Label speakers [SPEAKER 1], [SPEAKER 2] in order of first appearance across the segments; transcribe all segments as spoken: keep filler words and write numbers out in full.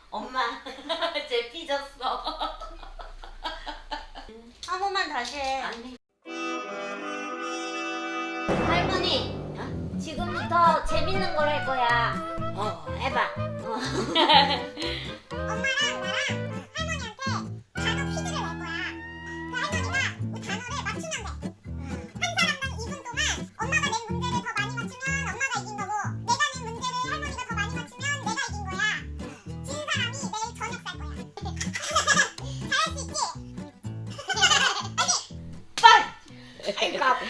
[SPEAKER 1] 엄마 쟤 삐졌어. 한 번만 다시 해.
[SPEAKER 2] 아니.
[SPEAKER 1] 할머니, 어? 지금부터 재밌는 걸 할 거야. 어, 해봐. 어.
[SPEAKER 3] 엄마랑 나랑 할머니한테 단어 퀴즈를 낼 거야. 그 할머니가 그 단어를 맞추면 돼. 한 사람당 이 분 동안 엄마가 낸 문제를 더 많이 맞추면 엄마가 이긴 거고, 내가 낸 문제를 할머니가 더 많이 맞추면 내가 이긴 거야. 진 사람이 내일 저녁 살 거야. 잘할 수 있지?
[SPEAKER 1] 아이고 아파.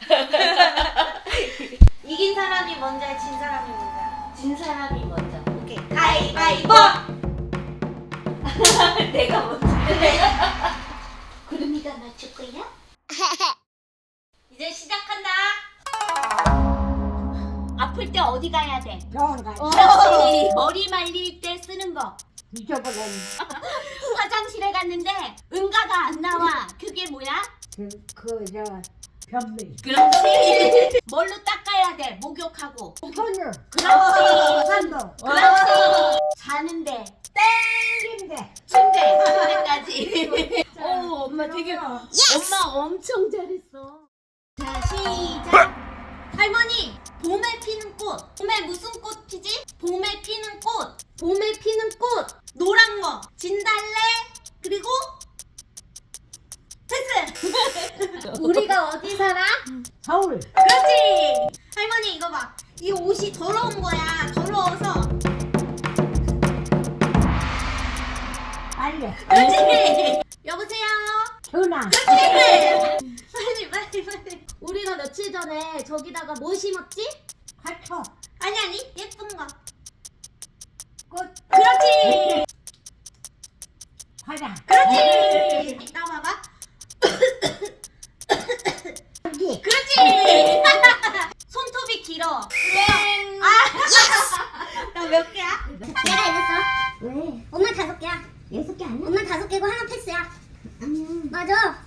[SPEAKER 1] 이긴 사람이 먼저 해, 진 사람이 먼저 해.
[SPEAKER 2] 진 사람이 먼저.
[SPEAKER 1] 오케이. 가위바위보!
[SPEAKER 2] 내가 먼저.
[SPEAKER 1] 그래.
[SPEAKER 2] 구름이가 맞출 거야?
[SPEAKER 1] 이제 시작한다.
[SPEAKER 2] 아플 때 어디 가야 돼?
[SPEAKER 4] 병원 가.
[SPEAKER 2] 그렇지. 머리 말릴 때 쓰는 거.
[SPEAKER 4] 잊어버렸네.
[SPEAKER 2] 화장실에 갔는데 응가가 안 나와. 그게 뭐야?
[SPEAKER 4] 그, 그, 저, 변비.
[SPEAKER 2] 그렇지. 뭘로 닦아야 돼? 목욕하고.
[SPEAKER 4] 손을.
[SPEAKER 2] 그렇지.
[SPEAKER 4] 산도.
[SPEAKER 2] 그렇지. 자는데.
[SPEAKER 4] 침대.
[SPEAKER 2] 침대. 침대까지. 오, 엄마 되게. 엄마 엄청 잘했어. 자, 시작. 할머니, 봄에 피는 꽃. 봄에 무슨 꽃 피지? 봄에 피는 꽃. 봄에 피는 꽃. 노란 거. 진달래. 그리고 패스.
[SPEAKER 1] 우리가 어디 살아?
[SPEAKER 4] 서울.
[SPEAKER 2] 그렇지. 할머니 이거 봐. 이 옷이 더러운 거야. 더러워서.
[SPEAKER 4] 빨리.
[SPEAKER 2] 그렇지. 여보세요.
[SPEAKER 4] 전화.
[SPEAKER 2] 그렇지. 빨리 빨리 빨리. 우리가 며칠 전에 저기다가 뭐 심었지?
[SPEAKER 4] 화초.
[SPEAKER 2] 아니 아니 예쁜 거.
[SPEAKER 4] 꽃.
[SPEAKER 2] 그렇지.
[SPEAKER 4] 화장.
[SPEAKER 2] 그렇지. 나와봐.
[SPEAKER 4] 여기.
[SPEAKER 2] 그렇지. 손톱이 길어. 땡. 나 몇 개야?
[SPEAKER 3] 내가 이겼어.
[SPEAKER 4] 왜?
[SPEAKER 3] 엄마 다섯 개야.
[SPEAKER 4] 여섯 개 아니야?
[SPEAKER 3] 엄마 다섯 개고 하나 패스야.
[SPEAKER 4] 음.
[SPEAKER 3] 맞아.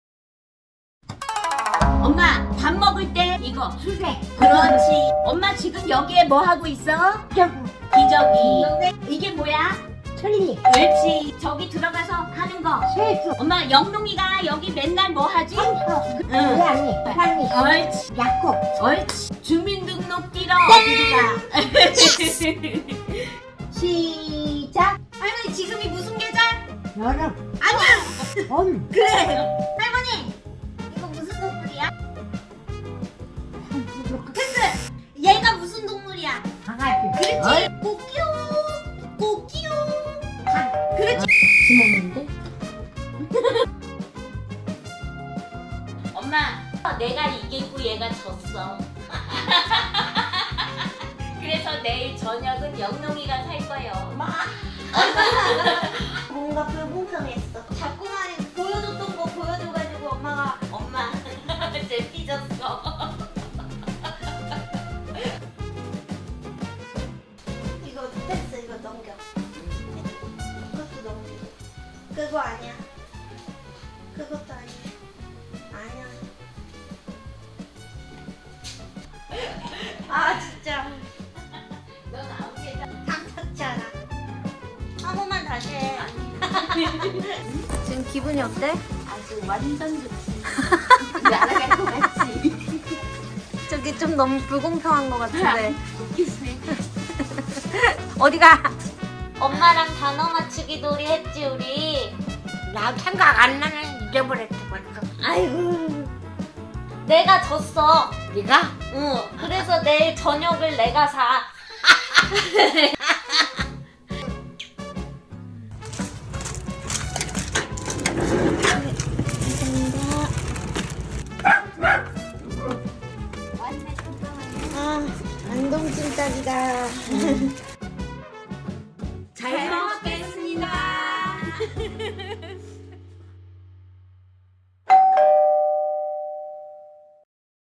[SPEAKER 2] 엄마 밥 먹을 때 이거.
[SPEAKER 4] 수제.
[SPEAKER 2] 그렇지. 엄마 지금 여기에 뭐 하고 있어?
[SPEAKER 4] 저구.
[SPEAKER 2] 기저귀. 이게 뭐야?
[SPEAKER 4] 철리.
[SPEAKER 2] 옳지. 저기 들어가서 하는 거.
[SPEAKER 4] 세수.
[SPEAKER 2] 엄마 영롱이가 여기 맨날 뭐 하지?
[SPEAKER 4] 청소.
[SPEAKER 2] 응.
[SPEAKER 4] 고양이. 고양이.
[SPEAKER 2] 옳지.
[SPEAKER 4] 약국.
[SPEAKER 2] 옳지. 주민등록 뛰러 어디가?
[SPEAKER 4] 시작.
[SPEAKER 2] 할머니 지금이 무슨 계절?
[SPEAKER 4] 여름.
[SPEAKER 2] 아니야.
[SPEAKER 4] 봄.
[SPEAKER 2] 그래. 할머니 이거 무슨 동물이야? 패스. 얘가 무슨 동물이야?
[SPEAKER 4] 강아지.
[SPEAKER 2] 그렇지. 꼬끼용. 꼬끼용. 그렇지.
[SPEAKER 4] 지먹는데?
[SPEAKER 2] 엄마, 내가 이기고 얘가 졌어. 그래서 내일 저녁은 영롱이가 살 거예요.
[SPEAKER 1] 뭔가 불공평했어. 자꾸만 보여줬던 거 보여줘가지고 엄마가 엄마 쟤 삐졌어. 이거 패스 이거 넘겨. 그것도 넘기고. 그거 아니야. 그것도 아니야. 아니야. 아 진짜
[SPEAKER 2] 넌 아무 게
[SPEAKER 1] 탐탁지 않아. 한 번만 다시 해.
[SPEAKER 2] 지금 기분이 어때? 아주 완전 좋지. 날아갈 것 같지?
[SPEAKER 1] 저기 좀 너무 불공평한 것 같은데.
[SPEAKER 2] 웃기네.
[SPEAKER 1] 어디가? 엄마랑 단어 맞추기 놀이 했지 우리.
[SPEAKER 4] 나 생각 안 나는 잊어버렸어 벌써.
[SPEAKER 1] 아이고. 내가 졌어.
[SPEAKER 4] 네가?
[SPEAKER 1] 응. 그래서 내일 저녁을 내가 사.